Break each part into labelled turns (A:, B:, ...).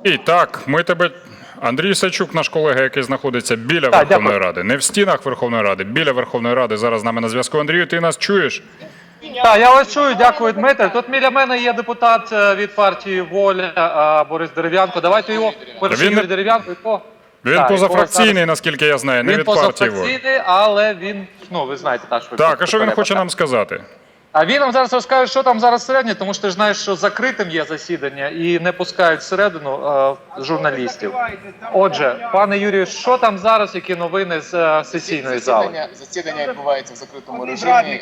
A: І так, ми тебе... Андрій Сачук, наш колега, який знаходиться біля Верховної Ради, не в стінах Верховної Ради, біля Верховної Ради, зараз з нами на зв'язку. Андрію, ти нас чуєш?
B: Так, я вас чую, дякую, Дмитре. Тут біля мене є депутат від партії «Воля» Борис Дерев'янко. Давайте його, Юрій Дерев'янко.
A: Він позафракційний, наскільки я знаю, не від партії «Воля».
B: Він позафракційний, але він, ну, ви знаєте, так, що...
A: Так, а що він хоче нам сказати?
B: А він нам зараз розкаже, що там зараз всередині, тому що ти ж знаєш, що закритим є засідання і не пускають всередину журналістів. Отже, пане Юрію, що там зараз, які новини з сесійної зали?
C: Засідання відбувається в закритому режимі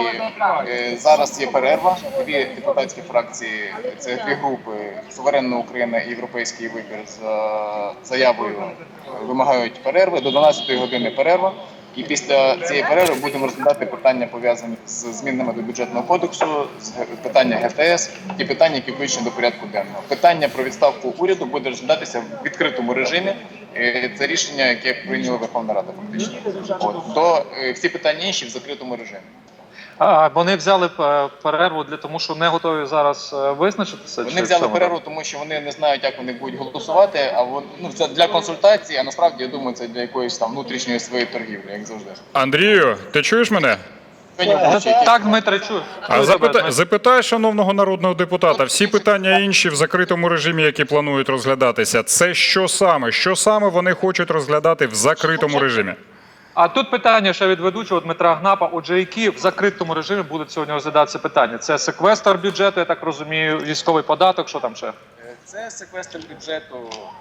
C: і зараз є перерва. Дві депутатські фракції, це дві групи «Суверенна Україна» і «Європейський вибір» з заявою вимагають перерви. До 12-ї години перерва. І після цієї перерви будемо розглядати питання, пов'язані з змінами до бюджетного кодексу, питання ГТС і питання, які включені до порядку денного. Питання про відставку уряду буде розглядатися в відкритому режимі. Це рішення, яке прийняла Верховна Рада фактично. Всі питання інші в закритому режимі.
B: Вони взяли перерву тому, що не готові зараз визначитися?
C: Вони взяли перерву, тому що вони не знають, як вони будуть голосувати, це для консультації, а насправді, я думаю, це для якоїсь там внутрішньої своєї торгівлі, як завжди.
A: Андрію, ти чуєш мене?
B: Так, Дмитре, чую.
A: Запитай шановного народного депутата, всі питання інші в закритому режимі, які планують розглядатися, це що саме? Що саме вони хочуть розглядати в закритому режимі?
B: А тут питання ще від ведучого Дмитра Гнапа. Отже, які в закритому режимі будуть сьогодні розглядатися питання? Це секвестр бюджету, я так розумію, військовий податок, що там ще?
C: Це секвестр бюджету,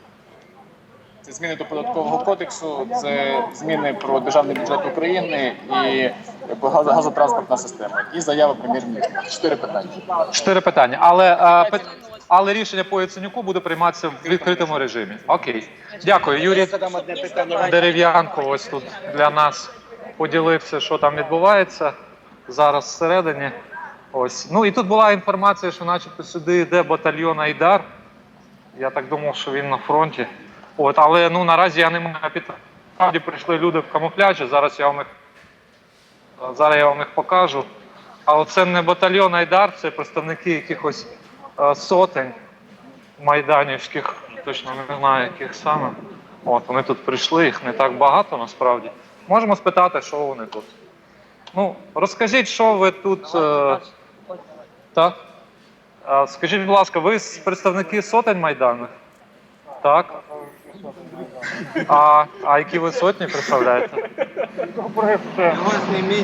C: це зміни до податкового кодексу, це зміни про державний бюджет України і газотранспортна система. І заява прем'єр-міністра. 4 питання.
B: 4 питання. Але рішення по Яценюку буде прийматися в відкритому режимі. Окей. Дякую. Юрій Дерев'янко ось тут для нас поділився, що там відбувається зараз всередині. Ось. Ну і тут була інформація, що начебто сюди йде батальйон «Айдар». Я так думав, що він на фронті. Але наразі я не маю підтримки. Справді прийшли люди в камуфляжі, зараз я вам їх покажу. Але це не батальйон «Айдар», це представники якихось сотень майданівських, точно не знаю, яких саме. Вони тут прийшли, їх не так багато насправді. Можемо спитати, що вони тут. Розкажіть, що ви тут... Так? Скажіть, будь ласка, ви представники сотень майданних? Так. А які ви сотні представляєте?
D: Його зніміть,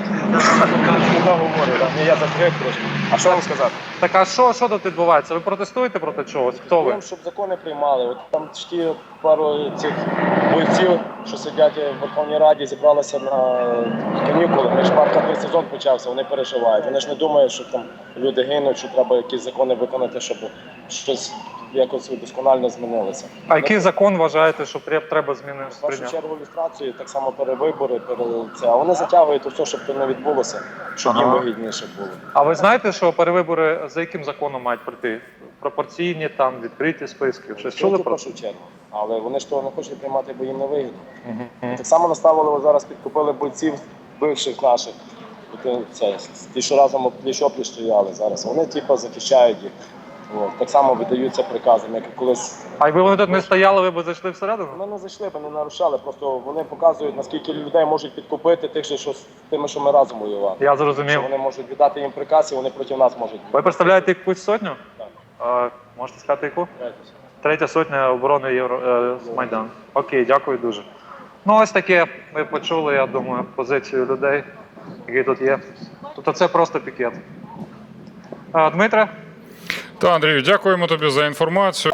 D: я закрив трошки. А що вам сказати?
B: Так, а що тут відбувається? Ви протестуєте проти чогось? Хто ви?
D: Щоб закони приймали. От там ті пару цих бойців, що сидять в Верховній Раді, зібралися на канікули. Ми ж парковий сезон почався, вони переживають. Вони ж не думають, що там люди гинуть, що треба якісь закони виконати, щоб щось якось удосконально змінилося.
B: А який закон вважаєте, що треба змінити?
D: В першу чергу люстрацію, так само перевибори, а вони затягують все, щоб це не відбулося, щоб їм вигідніше було.
B: А ви знаєте, що перевибори за яким законом мають пройти? Пропорційні, там, відкриті списки? Щось чули про це?
D: В першу чергу. Але вони ж того не хочуть приймати, бо їм не вигідно. Так само наставили, зараз підкупили бойців бивших наших. Ті, що разом пліч-опліч стояли зараз. Вони захищають їх. Так само видаються приказами, як колись.
B: А якби вони тут не стояли, ви б зайшли всередину?
D: Ми не зайшли, ми не нарушали, просто вони показують, наскільки людей можуть підкупити тих, що з тими, що ми разом воювали.
B: Я зрозумів.
D: Що вони можуть віддати їм приказ, і вони проти нас можуть.
B: Ви представляєте якусь сотню?
D: Так.
B: Можете сказати яку? Третя сотня оборони Майдану. Окей, дякую дуже. Ось таке ми почули, я думаю, позицію людей, які тут є. Тобто це просто пікет. Дмитре?
A: Та, Андрію, дякуємо тобі за інформацію.